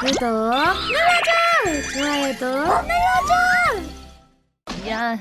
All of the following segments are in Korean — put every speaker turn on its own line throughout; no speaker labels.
구독 눌러줘! 좋아요도 눌러줘! 야,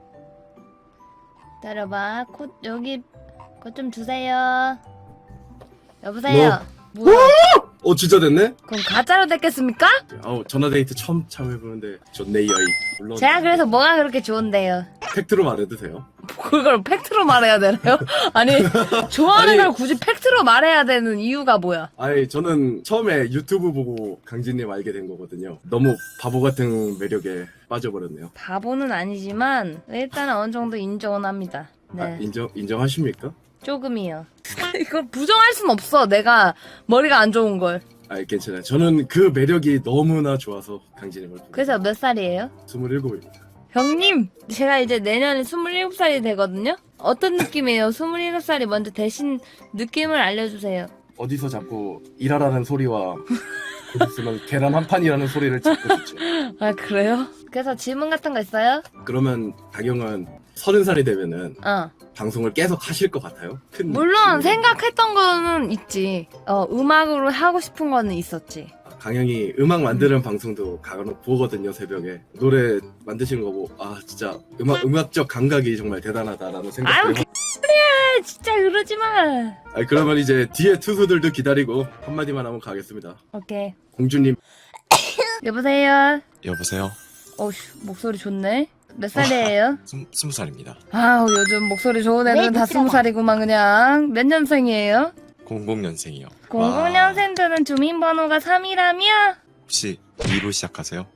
기다려봐. 여기 것 좀 주세요. 여보세요? 뭐야?
진짜 됐네?
그럼 가짜로 됐겠습니까?
전화데이트 처음 참여해보는데 좋네 여이. 물론
제가 그래서 뭐가 그렇게 좋은데요?
팩트로 말해도 돼요?
그걸 팩트로 말해야 되나요? 아니, 좋아하는
아니.
걸 굳이 팩트로 말해야 되는 이유가 뭐야?
아니 저는 처음에 유튜브 보고 강진님 알게 된 거거든요. 너무 바보 같은 매력에 빠져버렸네요.
바보는 아니지만 일단은 어느 정도 인정은 합니다. 네.
인정하십니까?
조금이요. 이걸 부정할 순 없어. 내가 머리가 안 좋은 걸.
괜찮아요. 저는 그 매력이 너무나 좋아서 강진님을 보고
그래서 몇 살이에요?
27입니다.
형님, 제가 이제 내년에 27살이 되거든요? 어떤 느낌이에요? 27살이 먼저 대신 느낌을 알려주세요.
어디서 자꾸 일하라는 소리와 곧 있으면 계란 한 판이라는 소리를 듣고 싶죠.
아, 그래요? 그래서 질문 같은 거 있어요?
그러면 다경은 30살이 되면은
어.
방송을 계속 하실 것 같아요? 큰
물론
질문이.
생각했던 거는 있지. 음악으로 하고 싶은 거는 있었지.
강영이 음악 만드는 방송도 간혹 보거든요. 새벽에 노래 만드시는 거 보고 진짜 음악적 감각이 정말 대단하다라는
아유,
생각을 해봤.
아, 진짜 그러지 마.
그러면 이제 뒤에 투수들도 기다리고 한마디만 하면 가겠습니다.
오케이.
공주님.
여보세요?
여보세요?
어휴, 목소리 좋네. 몇 살이에요?
20살입니다.
아우, 요즘 목소리 좋은 애들은 다 20살이구만 그냥. 몇 년생이에요?
00년생이요.
00년생들은 주민번호가 3이라며?
혹시 2로 시작하세요?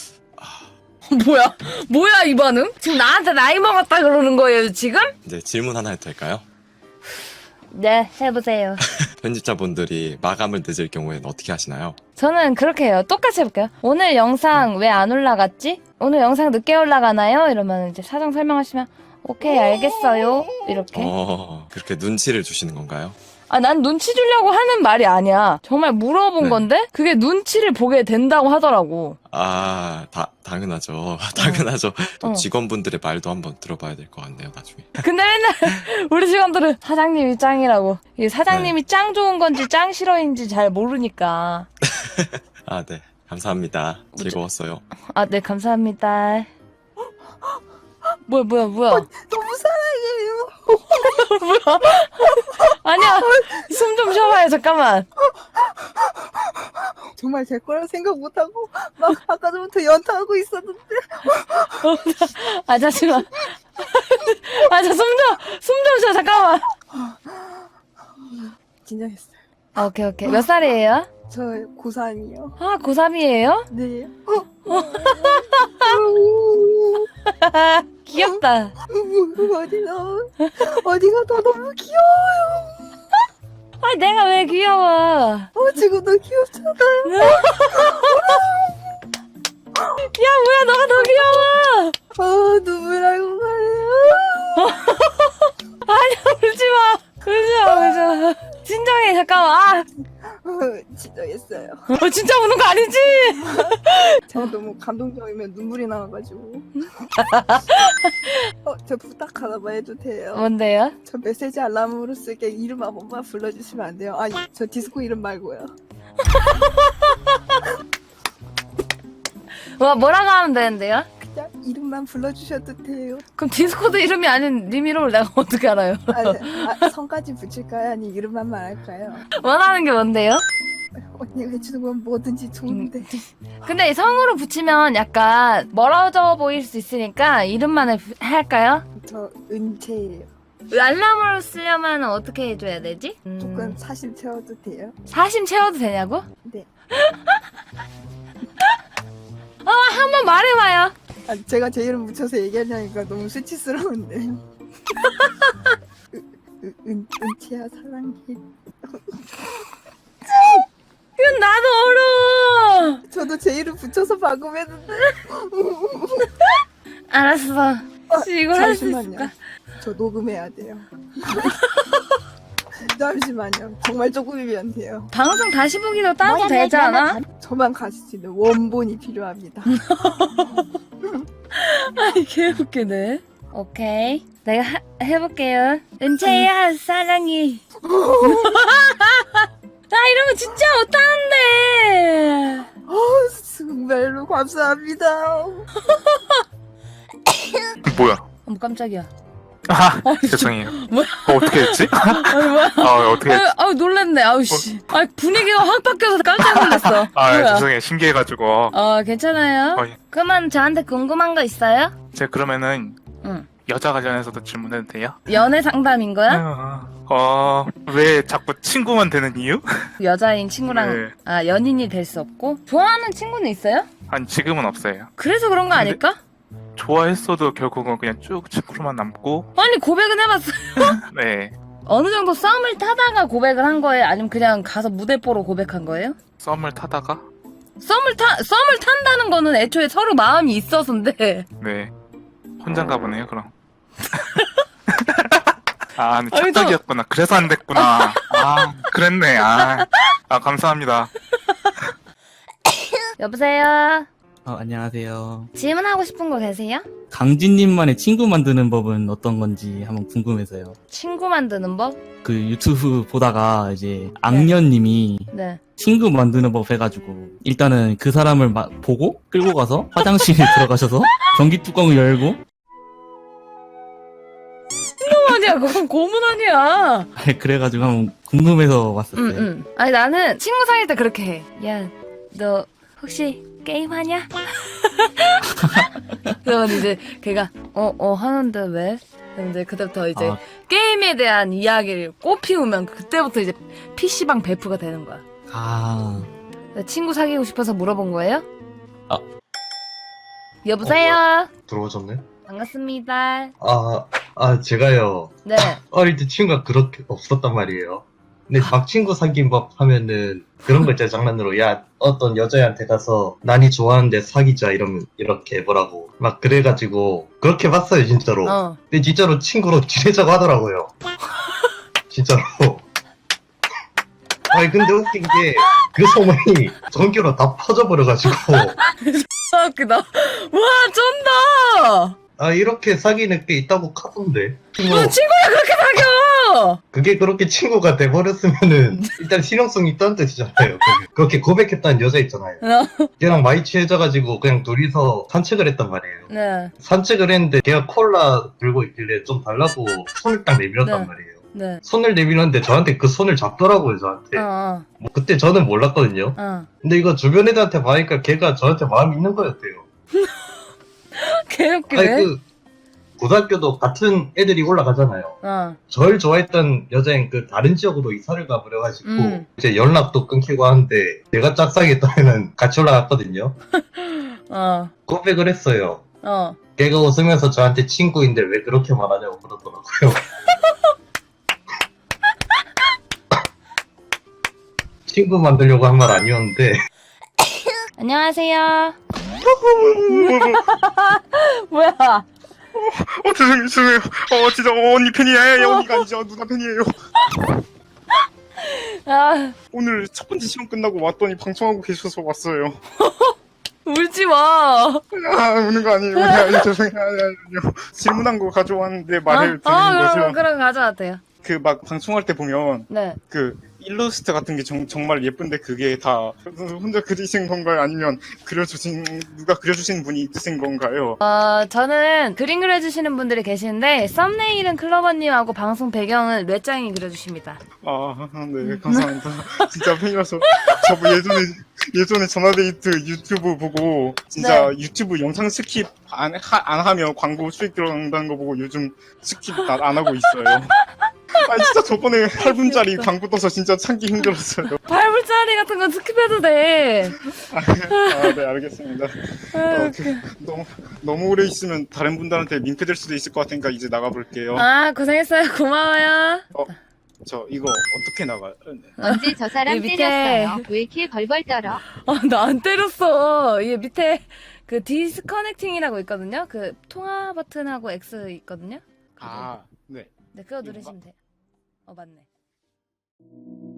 뭐야 이 반응? 지금 나한테 나이 먹었다 그러는 거예요 지금?
이제 질문 하나 해도 될까요?
네, 해보세요.
편집자분들이 마감을 늦을 경우에는 어떻게 하시나요?
저는 그렇게 해요. 똑같이 해볼게요. 오늘 영상 왜 안 올라갔지? 오늘 영상 늦게 올라가나요? 이러면 이제 사정 설명하시면 오케이 알겠어요 이렇게.
그렇게 눈치를 주시는 건가요?
난 눈치 주려고 하는 말이 아니야. 정말 물어본
네.
건데 그게 눈치를 보게 된다고 하더라고.
당연하죠. 당연하죠. 또
어.
직원분들의 말도 한번 들어봐야 될 것 같네요, 나중에.
근데 맨날 우리 직원들은 사장님이 짱이라고. 이게 사장님이 짱 좋은 건지 짱 싫어인지 잘 모르니까.
네. 감사합니다. 즐거웠어요.
네, 감사합니다. 뭐야.
너무 사랑해요.
뭐야? 아니야, 숨 좀 쉬어봐요, 잠깐만.
정말 제 거라 생각 못하고 막 아까 전부터 연타하고 있었는데
잠시만. 숨 좀 쉬어, 잠깐만.
진정했어요.
오케이. 몇 살이에요?
저 고3이요.
고3이에요?
네.
귀엽다.
어디가 더 너무 귀여워요.
내가 왜 귀여워?
지금도 귀엽잖아요.
야, 뭐야, 너가 더 귀여워.
눈물 나고 가네요.
울지 마. 진정해, 잠깐만.
진정했어요.
진짜 우는 거 아니지?
제가 너무 감동적이면 눈물이 나와가지고. 저 부탁 하나만 해도 돼요?
뭔데요?
저 메시지 알람으로 쓰게 이름 한 번만 불러주시면 안 돼요? 아니 저 디스코 이름 말고요.
뭐라고 하면 되는데요?
그냥 이름만 불러주셔도 돼요.
그럼 디스코드 이름이 아닌 리미로를 내가 어떻게 알아요?
성까지 붙일까요? 아니 이름만 말할까요?
원하는 게 뭔데요?
언니가 해주는 건 뭐든지 좋은데.
근데 이 성으로 붙이면 약간 멀어져 보일 수 있으니까 이름만 할까요?
저 은채예요.
알람으로 쓰려면 어떻게 해줘야 되지?
조금 사심 채워도 돼요?
사심 채워도 되냐고?
네.
한번 말해봐요.
제가 제 이름 붙여서 얘기하려니까 너무 수치스러운데. 은채야 사랑해.
이건 나도 어려워.
저도 제 이름 붙여서 방금 했는데.
알았어. 이걸 할 수 있을까?
잠시만요. 저 녹음해야 돼요. 잠시만요. 정말 조금이면 돼요.
방송 다시 보기도 따도 되지 않아?
저만 가실 수 있는 원본이 필요합니다.
개 웃기네. 오케이. 내가 해볼게요. 은채야, 사랑해. 나 이런 거 진짜 못하는데.
감사합니다.
뭐야?
어머 깜짝이야.
아, 죄송해요.
뭐야?
어떻게 했지?
아니 뭐야?
어떻게 했지?
아유 놀랬네. 아우 씨. 아 분위기가 확 바뀌어서 깜짝 놀랐어. 뭐야?
죄송해요. 신기해가지고.
괜찮아요.
예.
그러면 저한테 궁금한 거 있어요?
제가 그러면은
응.
여자 관련해서도 질문해도 돼요?
연애 상담인 거야?
왜 자꾸 친구만 되는 이유?
여자인 친구랑
네.
연인이 될 수 없고 좋아하는 친구는 있어요?
아니, 지금은 없어요.
그래서 그런 거
근데-
아닐까?
좋아했어도 결국은 그냥 쭉 친구로만 남고,
아니 고백은 해봤어.
네.
어느 정도 썸을 타다가 고백을 한 거예요? 아니면 그냥 가서 무대 보러 고백한 거예요?
썸을 타다가,
썸을 탄다는 거는 애초에 서로 마음이 있어서인데.
네. 혼자인가 보네요, 그럼. 근데
아니,
착각이었구나. 그래서 안 됐구나. 그랬네. 감사합니다.
여보세요?
안녕하세요.
질문하고 싶은 거 계세요?
강진님만의 친구 만드는 법은 어떤 건지 한번 궁금해서요.
친구 만드는 법?
그 유튜브 보다가 이제 악녀님이
네.
친구 만드는 법 해가지고 일단은 그 사람을 보고 끌고 가서 화장실에 들어가셔서 전기 뚜껑을 열고
아니야, 그건 고문 아니야.
그래가지고 한번 궁금해서 왔었어요.
아니 나는 친구 사귈 때 그렇게 해. 야, 너 혹시 게임 하냐? 그러면 이제 걔가 하는데 왜? 그럼 이제 그때부터 이제 게임에 대한 이야기를 꽃피우면 그때부터 이제 PC방 베프가 되는 거야. 친구 사귀고 싶어서 물어본 거예요? 여보세요?
들어오셨네?
반갑습니다.
제가요,
네.
어릴 때 친구가 그렇게 없었단 말이에요. 근데 막 친구 사귄 법 하면은 그런 거 있잖아, 장난으로. 야, 어떤 여자애한테 가서 난이 좋아하는데 사귀자, 이러면 이렇게 해보라고. 막 그래가지고, 그렇게 봤어요, 진짜로. 근데 진짜로 친구로 지내자고 하더라고요. 진짜로. 아니, 근데 웃긴 게, 그 소문이 전교로 다 퍼져버려가지고.
웃기다. 와, 쩐다!
이렇게 사귀는 게 있다고 카던데.
친구야 그렇게 사겨!
그게 그렇게 친구가 돼버렸으면은 일단 실용성이 있다는 뜻이잖아요. 그렇게 고백했다는 여자 있잖아요. 걔랑 많이 친해져가지고 그냥 둘이서 산책을 했단 말이에요.
네.
산책을 했는데 걔가 콜라 들고 있길래 좀 달라고 손을 딱 내밀었단
네.
말이에요.
네.
손을 내밀었는데 저한테 그 손을 잡더라고요, 저한테. 뭐 그때 저는 몰랐거든요. 근데 이거 주변 애들한테 봐니까 걔가 저한테 마음이 있는 거였대요.
개웃기네.
고등학교도 같은 애들이 올라가잖아요. 절 좋아했던 여자인 그 다른 지역으로 이사를 가버려가지고 이제 연락도 끊기고 하는데 내가 짝사귀했던 애는 같이 올라갔거든요. 고백을 했어요. 걔가 웃으면서 저한테 친구인데 왜 그렇게 말하냐고 그러더라고요. 친구 만들려고 한 말 아니었는데.
안녕하세요. 뭐야?
죄송해요. 진짜 언니 팬이에요. 언니가 아니죠. 누나 팬이에요. 오늘 첫 번째 시험 끝나고 왔더니 방송하고 계셔서 왔어요.
울지 마.
우는 거 아니에요. 죄송해요. 아니요. 질문한 거 가져왔는데 말을 드리는 거죠.
그럼 가져왔대요.
그 막 방송할 때 보면
네.
그 일러스트 같은 게 정말 예쁜데 그게 다 혼자 그리신 건가요? 아니면 누가 그려주신 분이 있으신 건가요?
저는 그림 그려주시는 분들이 계시는데 썸네일은 클로버님하고 방송 배경은 뇌짱이 그려주십니다.
네, 감사합니다. 진짜 팬이라서 저 예전에 전화데이트 유튜브 보고 진짜 유튜브 영상 스킵 안 하면 광고 수익 들어간다는 거 보고 요즘 스킵 안 하고 있어요. 진짜 저번에 8분짜리 광고 떠서 진짜 참기 힘들었어요.
8분짜리 같은 건 스킵해도 돼.
네, 알겠습니다. 너무 오래 있으면 다른 분들한테 민폐될 수도 있을 것 같으니까 이제 나가볼게요.
고생했어요. 고마워요.
저 이거 어떻게 나가요?
언제 저 사람
밑에.
때렸어요? 왜 이렇게 벌벌 떨어?
나 안 때렸어. 얘 밑에 그 디스커넥팅이라고 있거든요. 그 통화 버튼하고 X 있거든요.
네.
네, 그거 누르시면 돼요. 맞네.